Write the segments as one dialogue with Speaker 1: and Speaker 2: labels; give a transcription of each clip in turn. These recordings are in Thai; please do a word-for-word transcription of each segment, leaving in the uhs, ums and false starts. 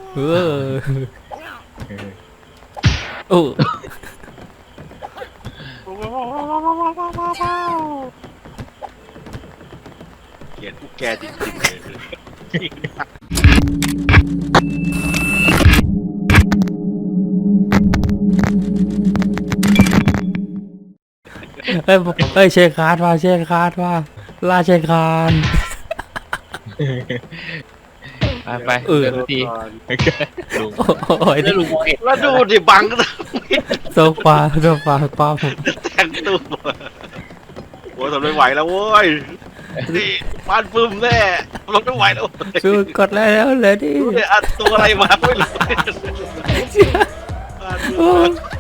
Speaker 1: เออโอ้
Speaker 2: เกลียดพวกแกจริงๆเลย
Speaker 1: เฮ้ยเฮ้ยเชคคาร์ดว่าเชคคาร์ดว่าล่าเชคคาร์ด
Speaker 3: ไปไป
Speaker 1: เออ
Speaker 3: เดินที ลุง
Speaker 1: โอ้ย
Speaker 3: แล้วลุงมองเห็น
Speaker 2: แล้วดูดิบังก็
Speaker 1: โซฟาโซฟาป้าผม
Speaker 2: แต่งตัวโอ้ยทนไม่ไหวแล้วโว้ยนี่บ้านปึ้มแน่รถไม่ไหวแล้ว
Speaker 1: ชูกดแล้วเลยดิ
Speaker 2: ดูดิอัดตัวอะไรมาไม่รู้บ้านปึ้ม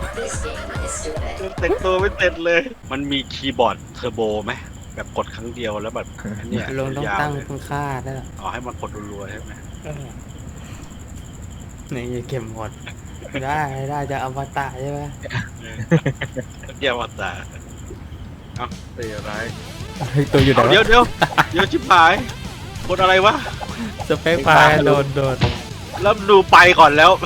Speaker 2: แต่งตัวไม่เสร็จเลย มันมีคีย์บอร์ดเทอร์โบไหมแบบกดครั้งเดียวแล้วแบบเนี่ย
Speaker 1: ลงต้อง
Speaker 2: ยาว
Speaker 1: ตั้ง
Speaker 2: เลย
Speaker 1: คุณค่าได้หรอ
Speaker 2: อ๋อให้มันกดรัวๆใช่ไหม
Speaker 1: นี่เก็บหมดได้ได้จะอวตารใช่ไหม
Speaker 2: เดี๋ยวว่าแต่เอ้าเตีอะไร
Speaker 1: เฮ้ยตัวอยู่ไหน
Speaker 2: เอาเดี๋ยว
Speaker 1: วะ
Speaker 2: เดี๋ยวเดี๋ยวชิบหายกดอะไรวะ
Speaker 1: สเปคไฟล์โดนโดน
Speaker 2: แล้วดูไปก่อนแล้ว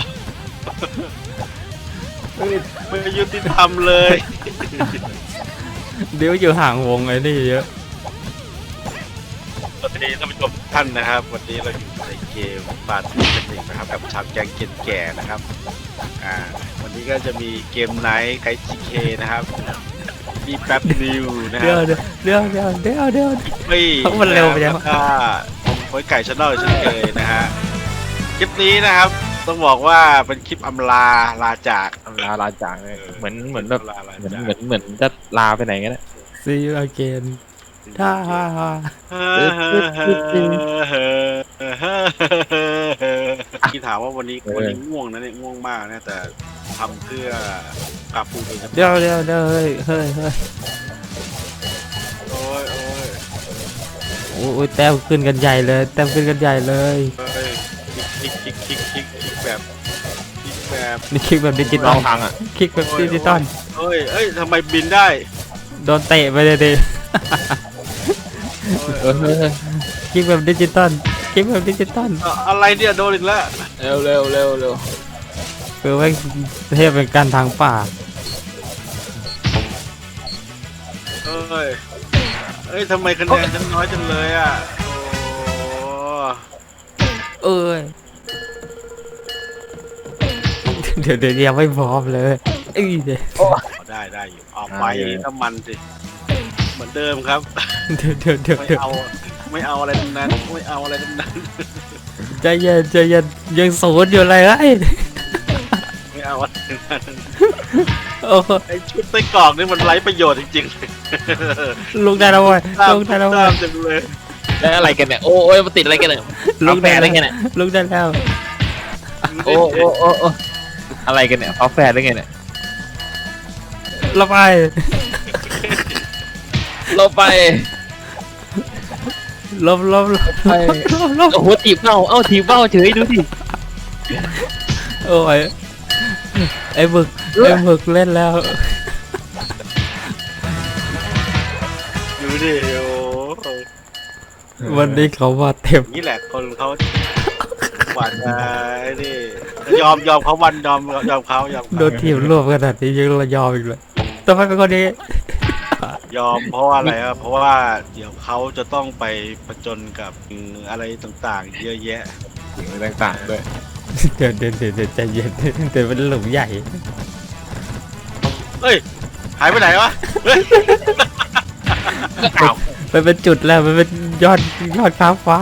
Speaker 2: ไม่ไม่ยุติธรรมเลย
Speaker 1: เดี๋ยวอยู่ห่างวงไอ้นี่เยอะ
Speaker 2: สวัสดีท่านผู้ชมทุกท่านนะครับ วันนี้เราอยู่ในเกมปาร์ตี้กันอีกนะครับกับชาวแก๊งเกนแก่นะครับอ่าวันนี้ก็จะมีเกมไนท์ไกด์จีเคนะครับมีแป๊บนิวนะค
Speaker 1: เดี๋ยว
Speaker 2: รับ
Speaker 1: เดี๋ยวเดี๋ยวเดี๋ยวเดี๋ยวเดี๋ยว
Speaker 2: เฮ้ย
Speaker 1: มันเร็วไปยัง
Speaker 2: แล้วก็โอ้ยไก่ชาแนลเช่นเคยนะฮะคลิปนี้นะครับต้องบอกว่าเป็นคลิปอำลาลาจาก
Speaker 3: ลาลาจากเลยเหมือนเหมือนแบบ
Speaker 2: ลาลา
Speaker 3: เหมือน
Speaker 2: จาก
Speaker 3: เหมือนเหมือนจะลาไปไหนกันนะ
Speaker 1: see you again ท่าฮ่าฮ่า
Speaker 2: ที่ถามว่าวันนี้วันนี้ง่วงนะเนี่ยง่วงมากนะแต่ทำเพื่อกาฟูโดยเฉพาะ
Speaker 1: เดี๋ยวเดี๋ยวเดี๋ยวเฮ้ยเฮ้ยเฮ้ย
Speaker 2: โอ้ยโอ้ย
Speaker 1: โอ้ยแต้มขึ้นกันใหญ่เลยแต้มขึ้นกันใหญ่เลย
Speaker 2: เฮ้ยคลิกคลิกคลิกคลิกคลิกแบบคลิกแบบ
Speaker 1: นี่คลิกแบบดิจิต
Speaker 3: ล
Speaker 1: อ
Speaker 3: อ
Speaker 1: ล
Speaker 3: งทางอ่ะ
Speaker 1: คลิกแบบดิจิตอล
Speaker 2: เฮ้ยเอ้ยทำไมบินได้
Speaker 1: โดนเตะไปเลยดิ
Speaker 3: เออเออ
Speaker 1: คลิกแบบดิจิตอลคลิกแบบดิจิตอล
Speaker 2: เอ่ออะไรเนี่ยโดนอีกแล้ว
Speaker 3: เร็วเร็วเร็วเร็ว
Speaker 1: คือว่าเทพเป็นการทางป่า
Speaker 2: เอ้ยเอ้ยทำไมคะแนนฉันน้อยจังเลยอ่ะโอ้
Speaker 1: เอ้ยเดี๋ยวเดี๋ยวยังไม่พร้อมเลยเอ้ยเดี๋ยว
Speaker 2: ได้ได้อยู่ออกไปน้ำมันสิเหมือนเดิมครับ
Speaker 1: เดี๋ยวเดี๋ยวเดี๋ยว
Speaker 2: ไม่
Speaker 1: เดี๋ยว
Speaker 2: เอาไม่เอาอะไรทั้งนั้นไม่เอาอะไรทั้งนั้น
Speaker 1: ใจเย็นใจเย็นยังศูนย์อยู่เลยไอ้
Speaker 2: ไม่เอาอะไรทั้งนั้น
Speaker 1: โอ้
Speaker 2: ไอชุดไส้กรอกนี่มันไร้ประโยชน์จริง
Speaker 1: ลุกได้แล้วเว้ย
Speaker 2: ๆตาม
Speaker 1: ลุกได้แล้วเว้
Speaker 2: ตาย มจังเลย
Speaker 3: แล้วอะไรกันเนี่ยโอ้โอ้ยมันติดอะไรกันเนี่ย
Speaker 1: ลุกได้
Speaker 3: ฝาแฝดอะไร
Speaker 1: แล้ว
Speaker 3: กันเนี่ย
Speaker 1: ลุกได้แล้ว
Speaker 3: โอ้โอ้โอ้โอ้อะไรกันเนี่ยฝาแฝดอะไรกันเนี่ย
Speaker 1: เราไป
Speaker 3: เราไป
Speaker 1: ลบลบลบ
Speaker 3: ไป
Speaker 1: ลบลบ
Speaker 3: โอ้โหถีบเบ้าเอ้าถีบเบ้าเฉยดูสิ
Speaker 1: โอ้ยไอ้บึกไอ้บึกเล่นแล้ว
Speaker 2: ดูดิโอ้
Speaker 1: วันนี้เขามาเต็ม
Speaker 2: นี่แหละคนเขาหวานใจนี่ยอมยอมเขาวันยอมยอมเขายอม
Speaker 1: โด
Speaker 2: เขา
Speaker 1: นทีมรวบขนาดนี้ยังระยอมอีกเลยทำไมเป็นคนนี้
Speaker 2: ยอมเพราะว่าอะไรครับเพราะว่าเดี๋ยวเขาจะต้องไปประจนกับอะไรต่างๆ เยอะแยะ
Speaker 3: สิ่งต่างๆด้วย
Speaker 1: เดี๋ยวเดี๋ยวเดี๋ยวเดี๋ยวใจเย็นเดี๋ยวเป็นหลุมใหญ่
Speaker 2: เฮ้ยหายไปไหนวะเฮ้ยอ้าว
Speaker 1: มันเป็นจุดแล้วมันเป็นยอดยอดฟ้าฟ้า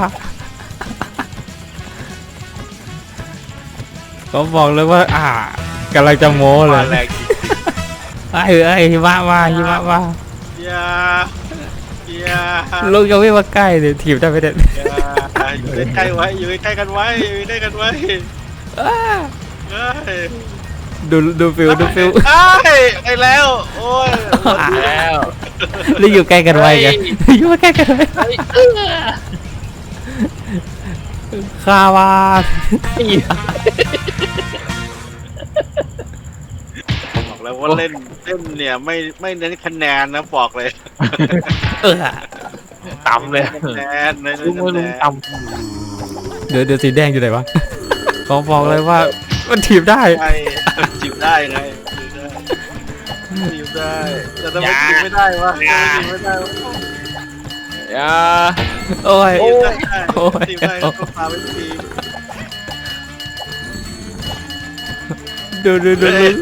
Speaker 1: เขาบอกเลยว่า อ่ากำลังจะโม้เล
Speaker 2: มาย แรงจริง
Speaker 1: ไอ้ไอ้หิมะมาหิมะมา
Speaker 2: ๆอย่าอย่า
Speaker 1: ลูกยังไม่มาใกล้เลยถีบได้ไหมเนี่ย
Speaker 2: อย่าอยู่ใกล้ๆไว้อยู่ใกล้ๆกันไว้อยู่ใกล้ๆกันไว้
Speaker 1: อ้า
Speaker 2: เฮ้ย
Speaker 1: ดูดูฟิวดูฟิว
Speaker 2: เอ้ยไปแล้วโอ้ย
Speaker 3: แล้ว
Speaker 1: แล้วอยู่ใกล้กันไว้ไงอยู่ใกล้กันไว้
Speaker 3: เฮ้ยเออ
Speaker 1: คาวา
Speaker 2: บอกแล้วว่าเล่นเล่นเนี่ยไม่ไม่เน้นคะแนนนะบอกเลย
Speaker 1: เออ
Speaker 3: ต่ำเลย
Speaker 2: คะแนนเน้น
Speaker 3: ลุง
Speaker 2: คะแน
Speaker 3: ลุง
Speaker 2: น
Speaker 3: ต่
Speaker 1: เดี๋ยวเดี๋ยวสีแดงอยู่ไหนวะขอบอกเลยว่ามันถีบได้
Speaker 2: ใช่จีบได้ไงจีบได้จีบได้แต่ทำไมจีบไม่ได้วะทำไมจีบไม่ได้วะ
Speaker 3: อย่า
Speaker 1: โอ้ย
Speaker 2: จีบได้
Speaker 1: โอ้ย
Speaker 2: จีบได้ก็พาไปจีบ
Speaker 1: ดูดูดูดู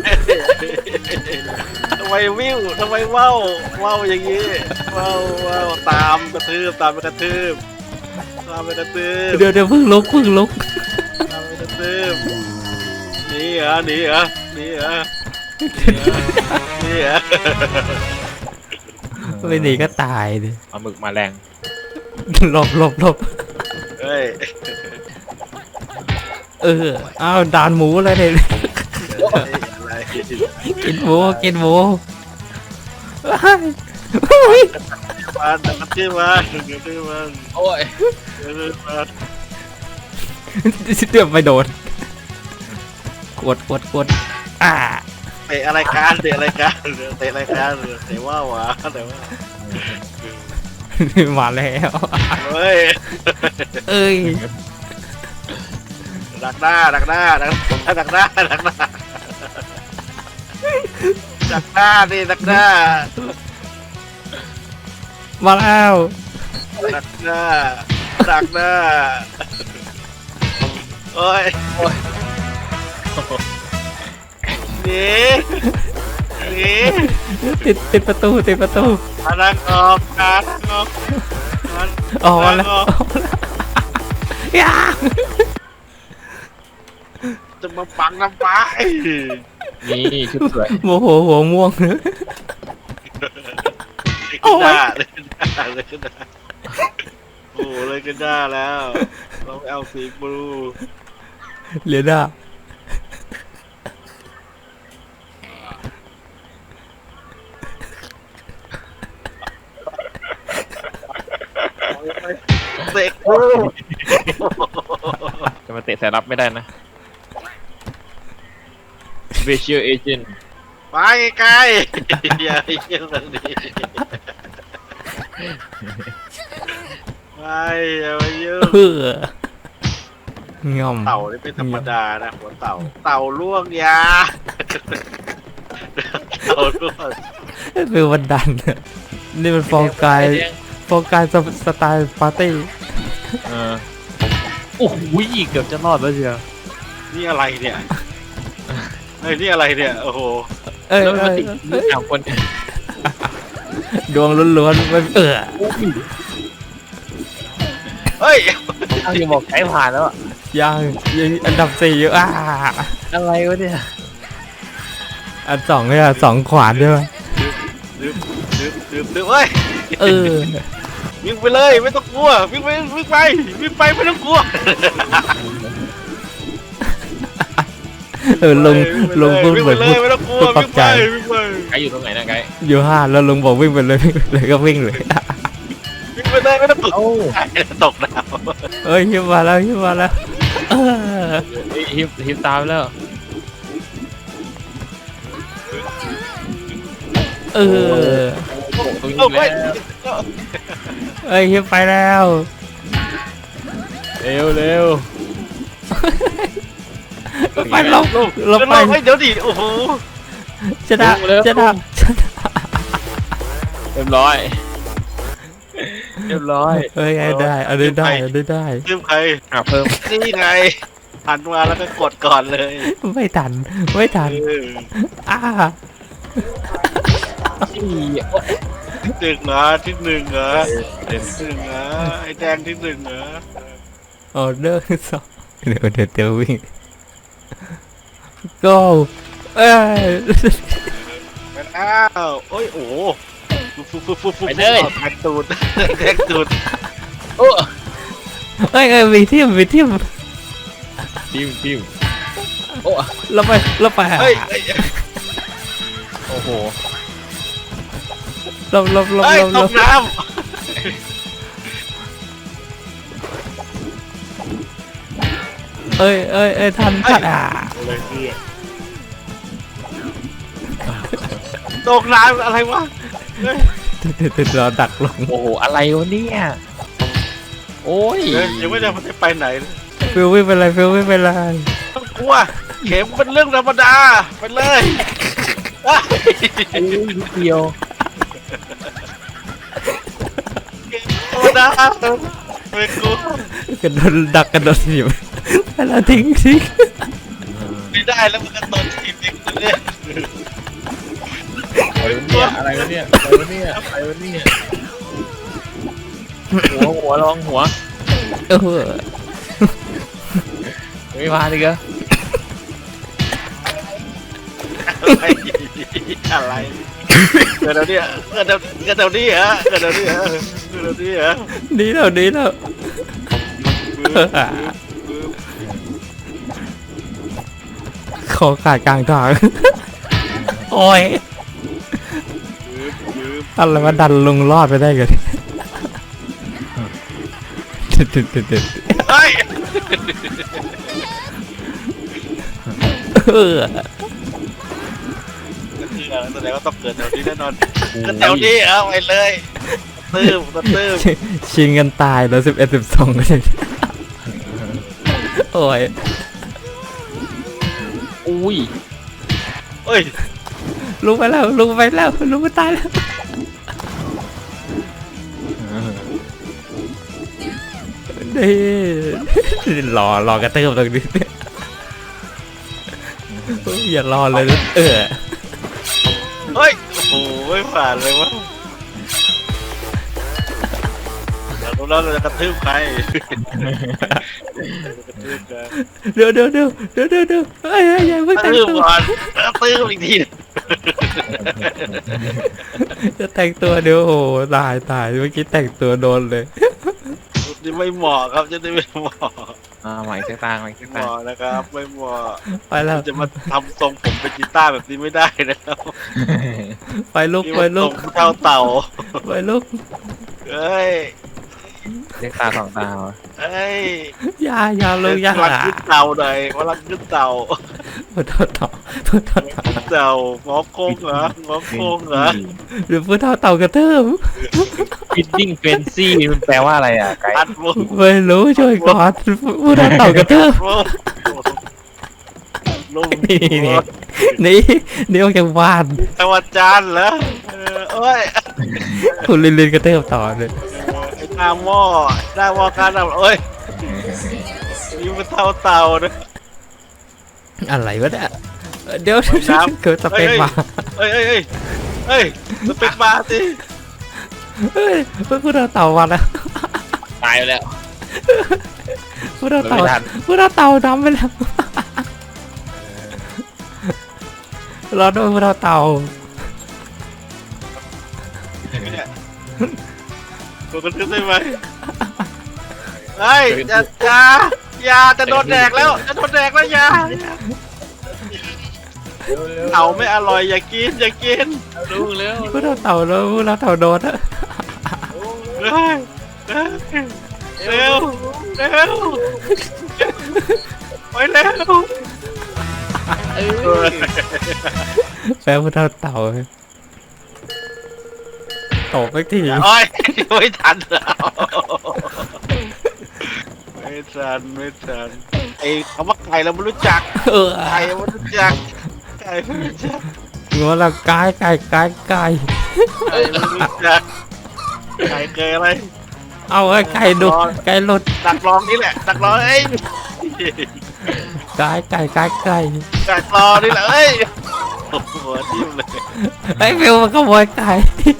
Speaker 2: ทำไมวิวทำไมว่าวว่าวอย่างนี้ว่าวว่าวตามกระทืบตามไปกระทืบตามไปกระทืบ
Speaker 1: เดี๋ยวเดี๋ยวเพิ่งลุกเพิ่งลุก
Speaker 2: ตามไปกระทืบหนีเหรอหนีเหรอหนีเหรอหนีเหรอ
Speaker 1: ไม่หนีก็ตายดิ
Speaker 3: เอาหมึกมาแรง
Speaker 1: หลบหลบหลบ
Speaker 2: เฮ้ย
Speaker 1: เอออ้าวดานหมูเลยเนี่ย
Speaker 2: อะไร
Speaker 1: กินหมูกินหมู
Speaker 2: มาแต่กระทืบมาเดี๋ยวกระทืบมา
Speaker 3: โอ้ย
Speaker 2: เดี๋ยวกระทืบมา
Speaker 1: เดือบไปโดนกดกดกดอ่า
Speaker 2: เตะอะไรกันเตะอะไรกันเตะอะไรกันเตะว่าวหวะแต่ว่า
Speaker 1: มาแล้ว
Speaker 2: เฮ้ย
Speaker 1: เอ้ย
Speaker 2: ดักหน้าดักหน้าดักดักหน้าดักหน้าดักหน้าดิดักหน้า
Speaker 1: มาแล้ว
Speaker 2: ดักหน้าดักหน้าโอ้ยหนีหนี
Speaker 1: ติดติดประตูติดประตู
Speaker 2: มาดักออกมาดักออกมัน
Speaker 1: ออกมาแล้วออกมาแล้วอย่า
Speaker 2: จะมาปังน้ำปลา
Speaker 3: นี่ชุดสวย
Speaker 1: โมโหหัวม่วงเลย
Speaker 2: เลยขึ้นหน้าเลยขึ้นหน้าเลยขึ้นหน้าโอ้เลยขึ้นหน้าแล้วเราเอาสีบลู
Speaker 1: เหลือหน้า
Speaker 2: เด็ก
Speaker 3: จะมาเตะสายรับไม่ได้นะ Visual Agent
Speaker 2: ไปไกลๆอย่าไปเยี่ยมแบบนี้ไปอย่าไปยุ่ง
Speaker 1: เอองอม
Speaker 2: เต่านี่เป็นธรรมดานะหัวเต่าเต่าล่วงยาเต่าล่วง
Speaker 1: เป็นวันดันนี่มันฟองกายฟองกายสไตล์ปาร์ตี้
Speaker 3: เออโอ้โหเกือบจะรอดแล้วเชียว
Speaker 2: นี่อะไรเนี่ยเฮ้ยนี่อะไรเนี่ยโอ้โห
Speaker 1: เอ้ย
Speaker 3: แล้วมัน
Speaker 1: เอ้ย
Speaker 3: ติด
Speaker 1: เอ้ย
Speaker 3: สามคน
Speaker 1: ดวงล้วนๆมันเออ
Speaker 2: เฮ้ย
Speaker 3: เอาอย่าบอกใช้ผ่านแล้วอะ
Speaker 1: ยังยังอันดับสี่อยู่อ่า
Speaker 3: อะไรวะเนี่ย
Speaker 1: อันสองเนี่ยสองขวานใช่ไหม
Speaker 2: ดื่มดื่มดื่มดื่มเฮ้ย
Speaker 1: เออ
Speaker 2: วิ่งไปเลยไม่ต้องกลัววิ่งไปวิ่งไปวิ่งไปไม่ต้องกลัว
Speaker 1: เออลุงลุงพูด
Speaker 2: วิ่ง
Speaker 1: เห
Speaker 2: ไป
Speaker 1: มือน
Speaker 2: เล
Speaker 1: พูด
Speaker 2: ยไม่ต้องกลัว
Speaker 1: พูดปรั
Speaker 2: วิ่
Speaker 1: บ
Speaker 2: ง
Speaker 1: ใจ
Speaker 2: ไปวิ่งไป
Speaker 3: ไกด์อยู่ตรงไหนนะไกด์
Speaker 1: อยู่ห้าแล้วลุงบอกวิ่งไปเลยวิ่งไปเลยก็วิ่งเลย
Speaker 2: วิ่งไปเลยไม่ต้องกลัว
Speaker 3: โอ้
Speaker 2: ตกน้
Speaker 1: เอ้ยฮิมมาแล้วฮิมมาแล้วเออ
Speaker 3: ฮิปฮิปตามแล้ว
Speaker 1: เออ
Speaker 3: ตรง
Speaker 2: ำ
Speaker 3: นี้
Speaker 2: เอ้ย
Speaker 3: แล้ว
Speaker 1: เอ้ยฮิมไปแล้ว
Speaker 3: เร็วเร็ว
Speaker 1: ไปลบลบไป
Speaker 2: เฮ้ยเดี๋ยวดิโอ้โห
Speaker 1: ชนะชนะชนะ
Speaker 3: เรียบร้อยเรียบร้อย
Speaker 1: เอ้ยไงได้อันนี้ได้อันนี้ได้
Speaker 2: เพิ่มใคร
Speaker 3: อ่ะเพิ่ม
Speaker 2: นี่ไงหันมาแล้วก็กดก่อนเลย
Speaker 1: ไม่ทันไม่ทัน
Speaker 2: เออ
Speaker 1: อ่า
Speaker 3: สี่
Speaker 2: ที่หนึ่งเหรอที่หนึ่งเหรอที่หนึ่งเหรอไอ้แดงที่หนึ่งเหรอ
Speaker 1: ออเดอร์สองเดี๋ยวเดี๋ยวเดี๋ยววิ่ง go เอ้ย
Speaker 2: ไปแล้วโอ้ยโอ้ฟุบฟุบฟุบฟุบฟุบแทงตูดแทงตูด
Speaker 3: โอ้
Speaker 1: เอ้ยเอ้ยมีทีมมีทีม
Speaker 3: ทีมทีมโอ้
Speaker 1: เราไปเราไป
Speaker 2: เฮ้ยเฮ้ย
Speaker 3: โอ้โห
Speaker 1: เราเราเรา
Speaker 2: เฮ้ย
Speaker 1: เรา
Speaker 2: ตกน้
Speaker 1: เอ้ยเอ้ยเอ้ยทันทันอ่า
Speaker 2: ำเลยเพื่อตกน้ำอะไรวะเฮ้ย
Speaker 1: เดี๋ยวเดี๋ยวเราดักลง
Speaker 3: โอ้โหอะไรวะเนี่ยโอ้ย
Speaker 2: เฮ้ยยังไม่ได้มันจะไปไหนเลย
Speaker 1: เฟิลไม่เป็นไรฟิลไม่เป็นไร
Speaker 2: ต้องกลัวเข็มเป็นเรื่องธรรมดาไปเลยเอ้ย
Speaker 3: โอ้ยนิดเดียว
Speaker 2: ธรรมดาไม่กลัว
Speaker 1: กระโดดดักกระโดดหนีบไปแล้วทิ้งทิ้ง
Speaker 2: ไม่ได้แล้วมันก็ตอนทีมเองเลย
Speaker 3: อะไรวะเนี่ยอะไรวะเนี่ยอะไรวะเนี่ยอะไรวะเนี่ยหัวหัวลองหัว
Speaker 1: เออ
Speaker 3: ไม่มาดิกะ
Speaker 2: อะไรอะไรเกิดอะไรเนี่ยเกิดอะไรเกิดอะไรเนี่ยเกิดอะไรเนี่ยเกิดอะไรเนี่ย
Speaker 1: ดีแล้วดีแล้วขอขาดกลางทางโอ้ยอะไรมาดันลงรอดไปได้กัน
Speaker 2: เฮ้ย
Speaker 1: เออ
Speaker 2: แสดงว่าต้องเกิดแถวนี้แน่นอนเกิดแถวนี้เอาไปเลยตื้มตื้ม
Speaker 1: ชิงกันตายแล้วสิบเอ็ดสิบสองเลยโอ้ย
Speaker 3: อุ้ย
Speaker 2: เฮ้ย
Speaker 1: ลุกไปแล้วลุกไปแล้วลุกไปตายแล้วนี่รอรอกระเติบตรงนี้อย่ารอเลยเออ
Speaker 2: เฮ้ยโอ้โหไม่ผ่านเลยวะเรารู้แล้วเราจะกระทืบใครกระทืบใคร
Speaker 1: เดี๋ยวเดี๋ยวเดี๋ยวเดี๋ยวเดี๋ยวเดี๋ยวเฮ้ยอย่าเพิ่ง
Speaker 2: กระ
Speaker 1: แต่ง
Speaker 2: ทืบ
Speaker 1: ตัว
Speaker 2: ก่อนกระทืบอีกที
Speaker 1: จะแต่งตัวเดี๋ยวโอ้ตายตายเมื่อกี้แต่งตัวโดนเลย
Speaker 2: นี่ไม่เหมาะครับจะได้ไม่เหมาะ
Speaker 3: อ่าใหม่เส้นตางใหม่
Speaker 2: ไม่
Speaker 3: เส้น
Speaker 2: เห
Speaker 3: ตาง
Speaker 2: มาะนะครับไม่เหมาะ
Speaker 1: ไปแล้ว
Speaker 2: จะมาทำทรงผมเป็นกีตาร์แบบนี้ไม่ได้นะครับ
Speaker 1: ไปลุก
Speaker 2: นี่
Speaker 1: ไป
Speaker 2: มัน
Speaker 1: ลุ
Speaker 2: ทร
Speaker 1: ก
Speaker 2: งเท่าเต่า
Speaker 1: ไปลุก
Speaker 2: เฮ้ย
Speaker 3: เส้นตาสองตาวะ
Speaker 2: เฮ้ย
Speaker 1: อย่าอย่าลงอย่า
Speaker 2: พลังขึ้นเต่าหน่อยพลังขึ้นเต่า
Speaker 1: พูดเท่าเต่าพูดเท่าเต่า
Speaker 2: ขึ้นเต่าหมอโค้งเหรอหมอโค้งเหรอ
Speaker 1: หรือพูดเท่าเต่ากระเทิบ
Speaker 3: ฟิตติ้งเฟนซี่มันแปลว่าอะไรอ่ะไก่
Speaker 2: อัดมุก
Speaker 1: ไม่รู้ช่วยก่อนพูดเท่าเต่ากระเทิบ
Speaker 2: ลุง
Speaker 1: นี่นี่นี่นี่ออกจากบ้าน
Speaker 2: ตะวันจันทร์เหรอเออเอ้ย
Speaker 1: คุณลินลินกระเทิบต่อเลย
Speaker 2: ไอ้หน้าหม้อหน้าหม้อการทำเอ้ยนี่มันเท่าเต่านะ
Speaker 1: อะไรวะเนี่ยเดี๋ยวเกิดสเปคมา
Speaker 2: เอ้ยเอ้ยเอ้ยเอ้ยสเปกมาสิ
Speaker 1: เฮ้ยพูดเท่าเต่ามาแล้ว
Speaker 3: ตายไปแล้ว
Speaker 1: พูดเท่าเต่า
Speaker 3: ไม่ทัน
Speaker 1: พูดเท่าเต่าดำไปแล้วรอด้วยพูดเท่าเต่า
Speaker 2: เนี่ยกดกระทืบได้ไหมเฮ้ยอย่าอย่าอย่าจะโดนแดกแล้วจะโดนแดกแล้วอย่าเต่าไม่อร่อยอย่ากินอย่ากิน
Speaker 3: รู้แล้ว
Speaker 1: พูดเท่าเต่าแล้วพูดเท่าเต่าโดนอะ
Speaker 2: เฮ้ยเฮ้ยเร็วเร็วไปเร็ว
Speaker 1: แฟนพูดเท่าเต่าตบไปที
Speaker 2: โอ้ยไม่ทันแล้วไม่ทันไม่ทันไอ้คำว่าไก่เราไม่รู้จัก
Speaker 1: เออ
Speaker 2: ไก่ไม่รู้จักไก่ไม่รู้จัก
Speaker 1: งัวละกายไก่ไก่ไก่
Speaker 2: ไก่ไม่รู้จักไก่เคยอะไร
Speaker 1: เอาไอ้ไก่ดุไก่หลุด
Speaker 2: ดักรองนี่แหละดักรองเอ้ย
Speaker 1: ไก่ไก่ไก่ไก่
Speaker 2: ดักรอนี่แหละเอ้ยโอ้โหทิ่มเลย
Speaker 1: ไอ้ฟิวมันขโมยไก่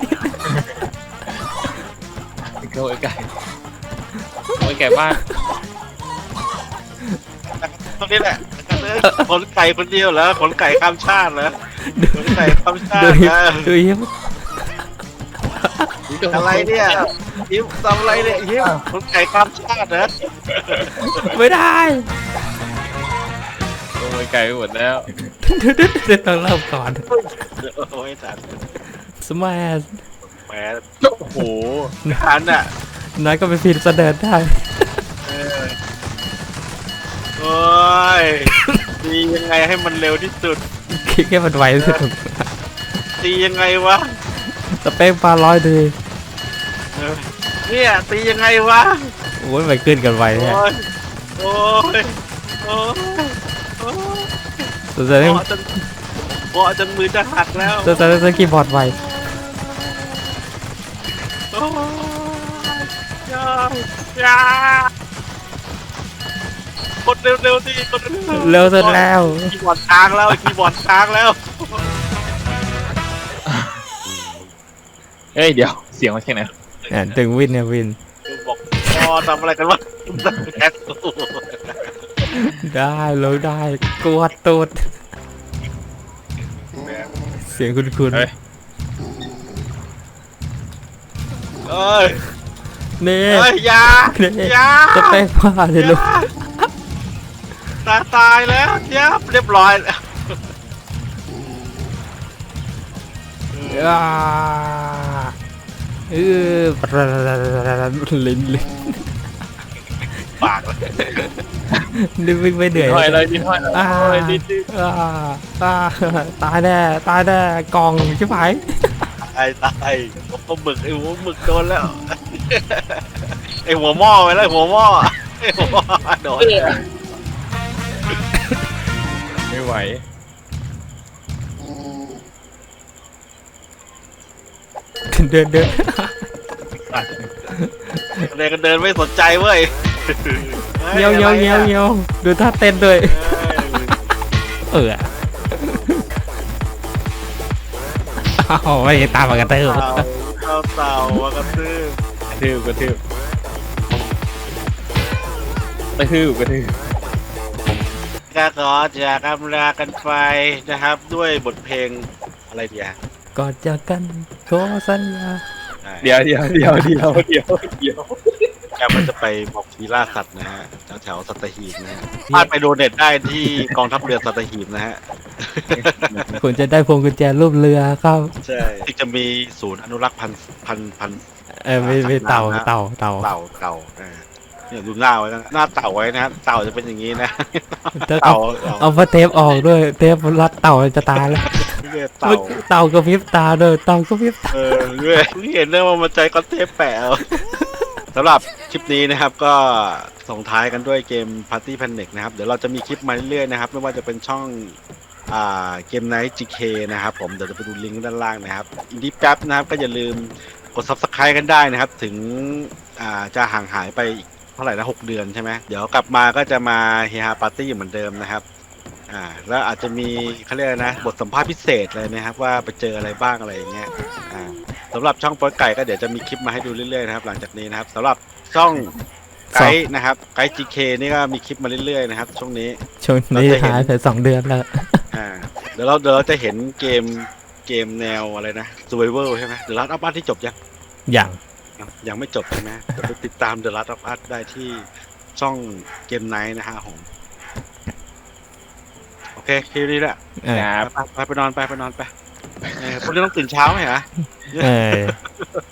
Speaker 3: โอ้ยไก่โอ้ยไก่บ้าน
Speaker 2: ตรงนี้แหละขนไก่คนเดียวเหรอขนไก่ข้ามชาติเหรอขนไก่ข้ามชา
Speaker 1: ดู
Speaker 2: ตินะ
Speaker 1: ดูยิ้ม
Speaker 2: อะไรเนี่ยยิ้มทำอะไรเนี่ยยิ้มขนไก่ข้ามชาติเหรอ
Speaker 1: ไม่ได้
Speaker 3: โอ้ยไก่ไปหมดแล้ว
Speaker 1: เดี๋ยวต้องเริ่มก่อน
Speaker 2: โอ้ยทัน
Speaker 1: สมัย
Speaker 2: แหม
Speaker 3: โอ้โห
Speaker 2: ทันอ่ะ
Speaker 1: น้อยก็ไปฟินเสด็จได้
Speaker 2: โอ้ยตียังไงให้มันเร็วที่สุด
Speaker 1: คิดแค่มันไวที่สุด
Speaker 2: ตียังไงวะ
Speaker 1: สเปคปลาร้อยดี
Speaker 2: เออเนี่ยตียังไงวะ
Speaker 1: โอ้ยไปขึ้นกันไวแท้
Speaker 2: โอ้ยโอ้ยโอ้ยโอ้ย
Speaker 1: สงสัย
Speaker 2: บอจนบอจนมือจะหักแล้ว
Speaker 1: สงสัยต้องคีย์บอร์ดไว
Speaker 2: โอ้ยยายากดเร็วๆสิกดเร็วๆ
Speaker 1: เร็วสุดแล้ว
Speaker 2: คีย์บอร์ดค้างแล้วคีย์บอร์ดค้างแล้ว
Speaker 3: เฮ้ยเดี๋ยวเสียงมาแค่ไหน
Speaker 1: อ่ะถึงวินเนี่ยวิน
Speaker 2: บอกพอทำอะไรกันวะแคสตู
Speaker 1: ได้เลยได้กวดตูดเสียงคุณคุณ
Speaker 3: เฮ้ย
Speaker 2: เอ้ย
Speaker 1: นี่
Speaker 2: เอ้ยอยา
Speaker 1: นี่
Speaker 2: อยา
Speaker 1: จะไปว่าเลยลูก
Speaker 2: ตายตายแล้วเจี๊ยบเรียบร้อยแล้ว
Speaker 1: อ่าเออลิ้นลิ้น
Speaker 2: ปากเลย
Speaker 1: นี่วิ่งไม่เหนื่อย
Speaker 3: ห้อยเลยดิ้นห้อยเลย
Speaker 1: อ่า
Speaker 3: ห้อยดิ้นดิ้น
Speaker 1: อ่าอ่าตายแน่ตายแน่กล่องใช่ไหม
Speaker 2: ตายตายโอ้โหหมึกไอ้หัวหมึกโดนแล้วไอ้หัวหม้อไปแล้วไอ้หัวหม้อไอ้หัวหม้อโดน
Speaker 3: ไม่ไหว
Speaker 1: เดินเดิน
Speaker 2: เดินกันเดินไม่สนใจเว้ย
Speaker 1: เงี้ยวเงี้ยวเงี้ยวเงี้ยวดูท่าเต้นด้วยเออเอาไม่ตามมากระเติบ
Speaker 2: เต่าเต่าเต่ามากระตือก
Speaker 3: ระทืบกระทืบกระทืบกระทืบ
Speaker 2: ก็ขอจากอำลากันไปนะครับ ด้วยบทเพลงอะไรเดียว
Speaker 1: ก่อนจากกันขอสัญญา
Speaker 3: เดี๋ยวเดี๋ยวเดี๋ยวเดี๋ยวเดี๋ยวเดี๋ยว
Speaker 2: แกมันจะไปบอกทีล่าสัตว์นะฮะแถวๆสัตหีบนะฮะพลาดไปโดเน็ตได้ที่กองทัพเรือสัตหีบนะฮะ
Speaker 1: คุณจะได้พวงกุญแจรูปเรือเข้า
Speaker 2: ใช่ที่จะมีศูนย์อนุรักษ์พันธุ์พันธุ์พันธุ์
Speaker 1: เออไม่ไม่เต่าเต่าเต่า
Speaker 2: เต่าเต่าอ่าเนี่ยดูหน้าไว้นะหน้าเต่าไว้นะฮะเต่าจะเป็นอย่างนี้นะ
Speaker 1: ถ้า
Speaker 2: เต่า
Speaker 1: เอา
Speaker 2: เต่า
Speaker 1: เอาพระเทปออกด้วยเทปรัดเต่าจะตายแล้ว
Speaker 2: เรียกเต่า
Speaker 1: เต่ากระพริบตาด้วยเต่ากระพริบตา
Speaker 2: เออเรื่อยเพิ่งเห็นเลยว่ามันใจก็เทปแปะเอาสำหรับคลิปนี้นะครับก็ส่งท้ายกันด้วยเกม Party Panic นะครับเดี๋ยวเราจะมีคลิปมาเรื่อยๆนะครับไม่ว่าจะเป็นช่องอ่าเกมไนท์ จี เค นะครับผมเดี๋ยวจะไปดูลิงก์ด้านล่างนะครับอินดี้แป๊บนะครับก็อย่าลืมกด Subscribe กันได้นะครับถึงอ่าจะห่างหายไปอีกเท่าไหร่นะหกเดือนใช่ไหมเดี๋ยวกลับมาก็จะมาเฮฮาปาร์ตี้เหมือนเดิมนะครับอ่าแล้วอาจจะมีเขาเรียกอะไรนะบทสัมภาษณ์พิเศษเลยนะครับว่าไปเจออะไรบ้างอะไรอย่างเงี้ยอ่าสำหรับช่องโป๊ยไก่ก็เดี๋ยวจะมีคลิปมาให้ดูเรื่อยๆนะครับหลังจากนี้นะครับสำหรับช่องไกด์นะครับไกด์ จี เค นี่ก็มีคลิปมาเรื่อยๆนะครับช่วงนี้
Speaker 1: ช่วงนี้หายไปสองเดือนแล้ว
Speaker 2: อ่าเดี๋ยวเราเดี๋ยวเราจะเห็นเกมเกมแนวอะไรนะ Survival ใช่ไหม The Last of Us ที่จบยัง
Speaker 1: อย่าง
Speaker 2: ยังไม่จบใช่ไหมเดี๋ยวไปติดตาม The Last of Us ได้ที่ช่องเกมไนท์นะฮะผมโอเคคิวนี้แหละ
Speaker 1: เออ
Speaker 3: ครับ
Speaker 2: ไปไปไปนอนไปไปนอนไปเออพรุ่งนี้ต้องตื่นเช้าไหมฮะ
Speaker 1: เออ